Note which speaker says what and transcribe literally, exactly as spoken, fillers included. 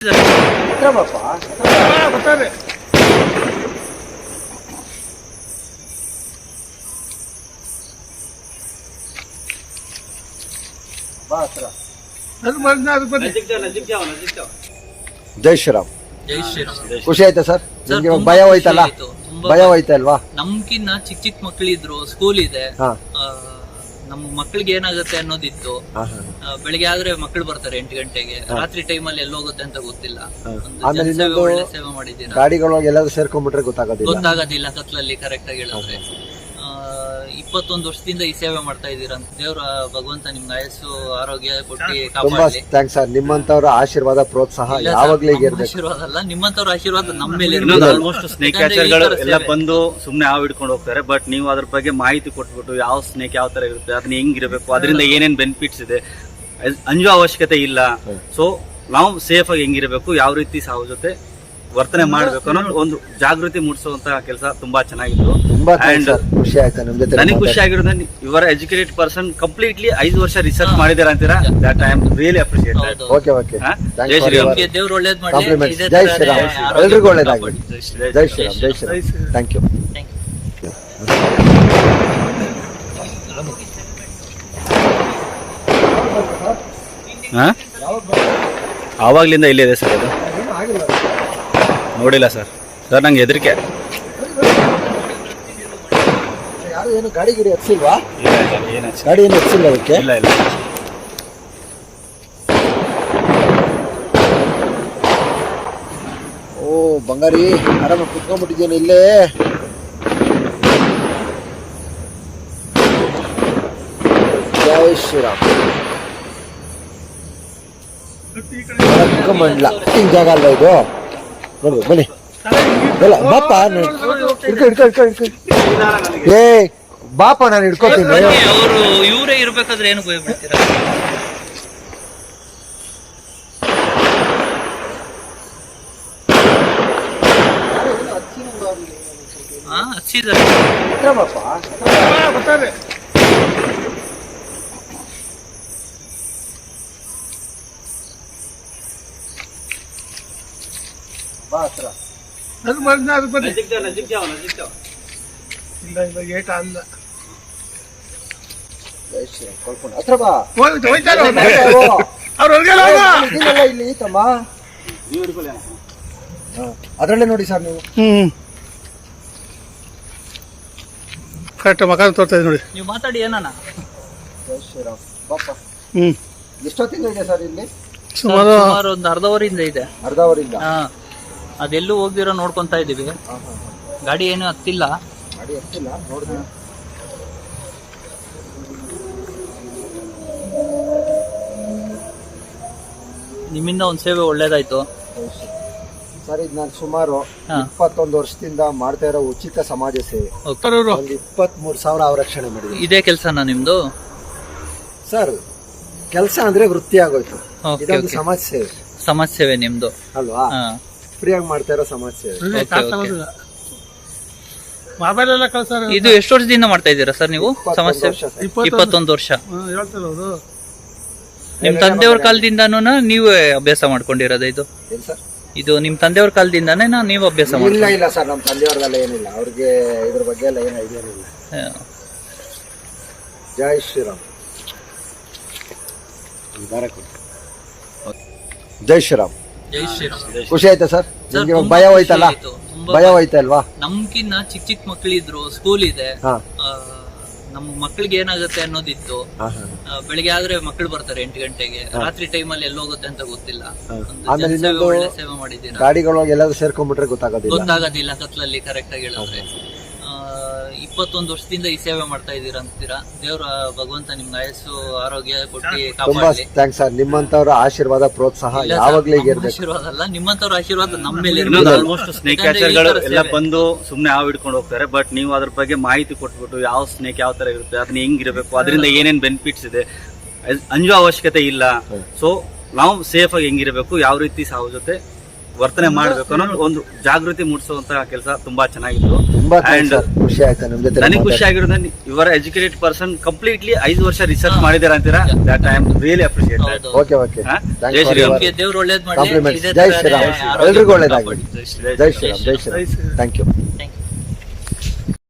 Speaker 1: ಜೈ ಶ್ರೀರಾಮ್.
Speaker 2: ಜೈ ಶ್ರೀರಾಮ್.
Speaker 1: ಖುಷಿ ಆಯ್ತಾ ಸರ್? ನಿಮ್ಗೆ ಭಯ ಹೋಯ್ತಲ್ಲ? ಭಯ ಹೋಯ್ತಲ್ವಾ?
Speaker 2: ನಮ್ಕಿನ್ನ ಚಿಕ್ಕ ಚಿಕ್ಕ ಮಕ್ಳಿದ್ರು, ಸ್ಕೂಲ್ ಇದೆ, ನಮ್ ಮಕ್ಳಿಗೆ ಏನಾಗುತ್ತೆ ಅನ್ನೋದಿತ್ತು. ಬೆಳಿಗ್ಗೆ ಆದ್ರೆ ಮಕ್ಳು ಬರ್ತಾರೆ ಎಂಟು ಗಂಟೆಗೆ, ರಾತ್ರಿ ಟೈಮ್ ಅಲ್ಲಿ ಎಲ್ಲಿ ಹೋಗುತ್ತೆ ಅಂತ ಗೊತ್ತಿಲ್ಲ. ಒಳ್ಳೆ ಸೇವೆ ಮಾಡಿದ್ದೀರಾ.
Speaker 1: ಗಾಡಿಗಳೊಳಗೆ ಎಲ್ಲಾದ್ರೂ ಸೇರ್ಕೊಂಡ್ಬಿಟ್ರೆ ಗೊತ್ತಾಗೋದಿಲ್ಲ
Speaker 2: ಗೊತ್ತಾಗೋದಿಲ್ಲ ಕತ್ಲಲ್ಲಿ. ಕರೆಕ್ಟ್ ಆಗಿ ಹೇಳಿದ್ರೆ ಇಪ್ಪತ್ತೊಂದು ವರ್ಷದಿಂದ ಈ ಸೇವೆ ಮಾಡ್ತಾ ಇದ್ದೀರಾ ಅಂತ ದೇವ್ರ ಭಗವಂತ ನಿಮ್ಗೆ ಆಯಸ್ಸು ಆರೋಗ್ಯ ಕೊಟ್ಟು
Speaker 1: ತುಂಬಾ ಥ್ಯಾಂಕ್ಸ್ ಸರ್. ನಿಮ್ಮಂತವ್ರ ಆಶೀರ್ವಾದ ಪ್ರೋತ್ಸಾಹ ಯಾವಾಗ್ಲೂ ಇರ್ಬೇಕು.
Speaker 2: ಆಶೀರ್ವಾದ ಅಲ್ಲ, ನಿಮ್ಮಂತವ್ರ ಆಶೀರ್ವಾದ ನಮ್ಮ ಮೇಲೆ
Speaker 3: ಆಲ್ಮೋಸ್ಟ್ ಸ್ನೇಕ್ ಕ್ಯಾಚರ್ಗಳು ಎಲ್ಲ ಬಂದು ಸುಮ್ನೆ ಹಾವು ಹಿಡ್ಕೊಂಡು ಹೋಗ್ತಾರೆ. ಬಟ್ ನೀವು ಅದ್ರ ಬಗ್ಗೆ ಮಾಹಿತಿ ಕೊಟ್ಬಿಟ್ಟು ಯಾವ ಸ್ನೇಕ್ ಯಾವ ತರ ಇರುತ್ತೆ, ಅದನ್ನ ಹೆಂಗಿರಬೇಕು, ಅದರಿಂದ ಏನೇನ್ ಬೆನಿಫಿಟ್ಸ್ ಇದೆ, ಅಂಜೋ ಅವಶ್ಯಕತೆ ಇಲ್ಲ. ಸೊ ನಾವು ಸೇಫ್ ಆಗಿ ಹೆಂಗಿರಬೇಕು, ಯಾವ ರೀತಿ ಸಾವು ಜೊತೆ ವರ್ತನೆ ಮಾಡ್ಬೇಕು ಅನ್ನೋ ಒಂದು ಜಾಗೃತಿ ಮೂಡಿಸುವಂತ ಕೆಲಸ ತುಂಬಾ ಚೆನ್ನಾಗಿತ್ತು. ಅಂಡ್
Speaker 1: ಖುಷಿ ಆಯ್ತಾ ನಿಮ್ ಜೊತೆ?
Speaker 3: ನನಗೆ ಖುಷಿ ಆಗಿರೋದು ಇವರ ಎಜುಕೇಟೆಡ್ ಪರ್ಸನ್ ಕಂಪ್ಲೀಟ್ಲಿ ಐದು ವರ್ಷ ರಿಸರ್ಚ್ ಮಾಡಿದಾರ ಅಂತೀರಾ. That I am really appreciate.
Speaker 1: Okay okay.
Speaker 3: ಜೈ ಶ್ರೀರಾಮ್.
Speaker 2: ದೇವ್ರು ಒಳ್ಳೇದ್
Speaker 1: ಕಾಂಪ್ಲಿಮೆಂಟ್ಸ್. ಜೈ ಶ್ರೀರಾಮ್. ಎಲ್ರಿಗೂ ಒಳ್ಳೇದಾಗಲಿ. ಜೈ ಶ್ರೀರಾಮ್. ಜೈ ಶ್ರೀರಾಮ್. Thank you.
Speaker 3: ಆವಾಗ್ಲಿಂದ ಇಲ್ಲೇ ಇದೆ ಸರ್. ಅದು ನೋಡಿಲ್ಲ ಸರ್. ಸರ್ ನಂಗೆ ಹೆದರಿಕೆ.
Speaker 1: ಯಾರು ಏನು ಗಾಡಿ ಗಿಡಿ ಹಚ್ಚಿಲ್ವಾ? ಗಾಡಿ ಏನು ಹಚ್ಚಿಲ್ಲ ಅದಕ್ಕೆ?
Speaker 3: ಇಲ್ಲ ಇಲ್ಲ.
Speaker 1: ಓ ಬಂಗಾರಿ, ಆರಾಮ ಕುತ್ಕೊಂಡ್ಬಿಟ್ಟಿದ್ದೇನೆ ಇಲ್ಲೇ. ಜೈ ಶ್ರೀರಾಮ್. ಮಂಡ್ಲ ಹಿಂಗ್ ಜಾಗ ಅಲ್ವಾ ಇದು? ನೋಡ್ಬೇಕು ಬನ್ನಿ. ಇಲ್ಲ ಬಾಪ, ಹಿಡ್ಕೊ ಹಿಡ್ಕೊ ಹಿಡ್ಕೊ ಹಿಡ್ಕೊ. ಏ ಬಾಪ, ನಾನು ಹಿಡ್ಕೋತೀನಿ.
Speaker 2: ಅವರು ಇವರೇ ಇರ್ಬೇಕಾದ್ರೆ ಏನು ಭಯ ಬಿಡ್ತೀರಾ? ಹಾ ಹಚ್ಚಿದ್ದಾರೆ
Speaker 1: ಬಾಪ. ಬಾ ಹತ್ರ. ಹತ್ರ ಬಾ. ಇಲ್ಲಿ ತಮ್ಮ ಅದ್ರಲ್ಲೇ ನೋಡಿ ಸರ್ ನೀವು.
Speaker 4: ಹ್ಮ್ ಕರೆಕ್ಟ್ ಮಕ ತೋರ್ತಾ ಇದೆ ನೋಡಿ.
Speaker 2: ನೀವು ಮಾತಾಡಿ ಏನಾನ.
Speaker 1: ಜೈ ಶ್ರೀರಾಮ್. ಬಾಪ.
Speaker 4: ಹ್ಮ್
Speaker 1: ಎಷ್ಟೊತ್ತಿಂದ ಇದೆ ಸರ್ ಇಲ್ಲಿ?
Speaker 2: ಸುಮಾರು ಸುಮಾರು ಒಂದು ಅರ್ಧ ಅವರಿಂದ ಇದೆ.
Speaker 1: ಅರ್ಧ ಅವರಿಂದ.
Speaker 2: ಹಾ, ಅದೆಲ್ಲೂ ಹೋಗ್ದಿರೋ ನೋಡ್ಕೊಂತಾ ಇದೀವಿ. ಗಾಡಿ ಏನು ಹತ್ತಿಲ್ಲ.
Speaker 1: ಗಾಡಿ ಹತ್ತಿಲ್ಲ ನೋಡಿದ್ವಿ.
Speaker 2: ನಿಮ್ಮಿಂದ ಒಂದ್ ಸೇವೆ ಒಳ್ಳೇದಾಯ್ತು
Speaker 1: ಸರ್. ಇದು ನಾನು ಸುಮಾರು ಇಪ್ಪತ್ತೊಂದು ವರ್ಷದಿಂದ ಮಾಡ್ತಾ ಇರೋ ಉಚಿತ ಸಮಾಜ ಸೇವೆ. ಒಂದು ಇಪ್ಪತ್ತ್ ಮೂರು ಸಾವಿರ ಅವರಕ್ಷಣೆ ಮಾಡಿದೆ.
Speaker 2: ಇದೇ ಕೆಲ್ಸನಾ ನಿಮ್ದು?
Speaker 1: ಸರ್ ಕೆಲಸ ಅಂದ್ರೆ ವೃತ್ತಿ ಆಗೋಯ್ತು. ಇದೊಂದು ಸಮಾಜ ಸೇವೆ.
Speaker 2: ಸಮಾಜ ಸೇವೆ ನಿಮ್ದು
Speaker 1: ಅಲ್ವಾ? ಫ್ರೀಯಾಗಿ ಮಾಡ್ತಾ ಇರೋ ಸಮಾಜ ಸೇವೆ.
Speaker 2: ಇದು ಎಷ್ಟು ವರ್ಷದಿಂದ ಮಾಡ್ತಾ ಇದ್ದೀರಾ ಸರ್ ನೀವು ಸಮಾಜ ಸೇವೆ? ಇಪ್ಪತ್ತೊಂದು ವರ್ಷ. ನಿಮ್ ತಂದೆಯವ್ರ ಕಾಲದಿಂದಾನು ನೀವೇ ಅಭ್ಯಾಸ ಮಾಡ್ಕೊಂಡಿರೋದ ಇದು? ಇದು ನಿಮ್ ತಂದೆಯವ್ರ ಕಾಲದಿಂದಾನೇ ನೀವು ಅಭ್ಯಾಸ ಮಾಡಿ?
Speaker 1: ಇಲ್ಲ ಇಲ್ಲ ಸರ್, ನಮ್ಮ ತಂದೆಯವ್ರದೆಲ್ಲ ಏನಿಲ್ಲ. ಅವ್ರಿಗೆ ಇದ್ರ ಬಗ್ಗೆ ಎಲ್ಲ ಏನು ಐಡಿಯಾ ಇಲ್ಲ. ಜೈ ಶ್ರೀರಾಮ್. ಜೈ ಶ್ರೀರಾಮ್.
Speaker 2: ಜೈ ಶ್ರೀರಾಮ್.
Speaker 1: ಖುಷಿ ಆಯ್ತಾ ಸರ್? ನಿಮ್ಗೆ ಭಯ ಹೋಯ್ತಲ್ಲ? ಭಯ ಹೋಯ್ತಲ್ವಾ?
Speaker 2: ನಮ್ಕಿನ್ನ ಚಿಕ್ಕ ಚಿಕ್ಕ ಮಕ್ಳಿದ್ರು, ಸ್ಕೂಲ್ ಇದೆ, ನಮ್ ಮಕ್ಳಿಗೆ ಏನಾಗುತ್ತೆ ಅನ್ನೋದಿತ್ತು. ಬೆಳಿಗ್ಗೆ ಆದ್ರೆ ಮಕ್ಳು ಬರ್ತಾರೆ ಎಂಟು ಗಂಟೆಗೆ, ರಾತ್ರಿ ಟೈಮ್ ಅಲ್ಲಿ ಎಲ್ಲಿ ಹೋಗುತ್ತೆ ಅಂತ ಗೊತ್ತಿಲ್ಲ. ಒಳ್ಳೆ ಸೇವೆ ಮಾಡಿದ್ದೀರಾ.
Speaker 1: ಗಾಡಿಗಳೊಳಗೆ ಎಲ್ಲಾದ್ರೂ ಸೇರ್ಕೊಂಡ್ಬಿಟ್ರೆ ಗೊತ್ತಾಗೋದಿಲ್ಲ.
Speaker 2: ಗೊತ್ತಾಗೋದಿಲ್ಲ ಕತ್ಲಲ್ಲಿ. ಕರೆಕ್ಟ್ ಆಗಿ ಹೇಳಿದ್ರೆ ಇಪ್ಪತ್ತೊಂದು ವರ್ಷದಿಂದ ಈ ಸೇವೆ ಮಾಡ್ತಾ ಇದ್ದೀರಾ ಅಂತೀರಾ. ದೇವ್ರ ಭಗವಂತ ನಿಮ್ಗೆ ಆಯಸ್ಸು ಆರೋಗ್ಯ ಕೊಟ್ಟು
Speaker 1: ತುಂಬಾ ಥ್ಯಾಂಕ್ಸ್ ಸರ್. ನಿಮ್ಮಂತವ್ರ ಆಶೀರ್ವಾದ ಪ್ರೋತ್ಸಾಹ ಯಾವಾಗ್ಲೂ ಇರ್ಬೇಕು.
Speaker 2: ಆಶೀರ್ವಾದ ಅಲ್ಲ, ನಿಮ್ಮಂತವ್ರ ಆಶೀರ್ವಾದ ನಮ್ಮ ಮೇಲೆ.
Speaker 3: ಆಲ್ಮೋಸ್ಟ್ ಸ್ನೇಕ್ ಕ್ಯಾಚರ್ಗಳು ಎಲ್ಲ ಬಂದು ಸುಮ್ನೆ ಹಾವು ಹಿಡ್ಕೊಂಡು ಹೋಗ್ತಾರೆ. ಬಟ್ ನೀವು ಅದ್ರ ಬಗ್ಗೆ ಮಾಹಿತಿ ಕೊಟ್ಬಿಟ್ಟು ಯಾವ ಸ್ನೇಕ್ ಯಾವ ತರ ಇರುತ್ತೆ, ಅದನ್ನ ಹೆಂಗಿರಬೇಕು, ಅದರಿಂದ ಏನೇನ್ ಬೆನಿಫಿಟ್ಸ್ ಇದೆ, ಅಂಜೋ ಅವಶ್ಯಕತೆ ಇಲ್ಲ. ಸೊ ನಾವು ಸೇಫ್ ಆಗಿ ಹೆಂಗಿರಬೇಕು, ಯಾವ ರೀತಿ ಸಾವು ಜೊತೆ ವರ್ತನೆ ಮಾಡ್ಬೇಕು ಅನ್ನೋ ಒಂದು ಜಾಗೃತಿ ಮೂಡಿಸುವಂತ ಕೆಲಸ ತುಂಬಾ ಚೆನ್ನಾಗಿತ್ತು.
Speaker 1: ತುಂಬಾ
Speaker 3: And
Speaker 1: ಖುಷಿ ಆಯ್ತಾ ನಿಮ್ ಜೊತೆ
Speaker 3: ನನಗೆ ಖುಷಿ ಆಗಿರೋದು ಇವರ ಎಜುಕೇಟೆಡ್ ಪರ್ಸನ್ ಕಂಪ್ಲೀಟ್ಲಿ ಐದು ವರ್ಷ ರಿಸರ್ಚ್ ಮಾಡಿದಾರೆ ಅಂತೀರಾ, that I am really appreciate.
Speaker 2: ಹೌದು.
Speaker 1: ಓಕೆ ಓಕೆ
Speaker 3: ಜೈ ಶ್ರೀರಾಮ್.
Speaker 2: ನಿಮ್ಗೆ ದೇವ್ರು ಒಳ್ಳೇದ್
Speaker 1: ಕಾಂಪ್ಲಿಮೆಂಟ್ಸ್.
Speaker 2: ಮಾಡಿ
Speaker 1: ಜೈ ಶ್ರೀರಾಮ್. ಎಲ್ರಿಗೂ ಒಳ್ಳೇದಾಗಲಿ.
Speaker 2: ಜೈ
Speaker 1: ಜೈ ಶ್ರೀರಾಮ್. ಜೈ Shriram. Thank you.
Speaker 2: Thank you.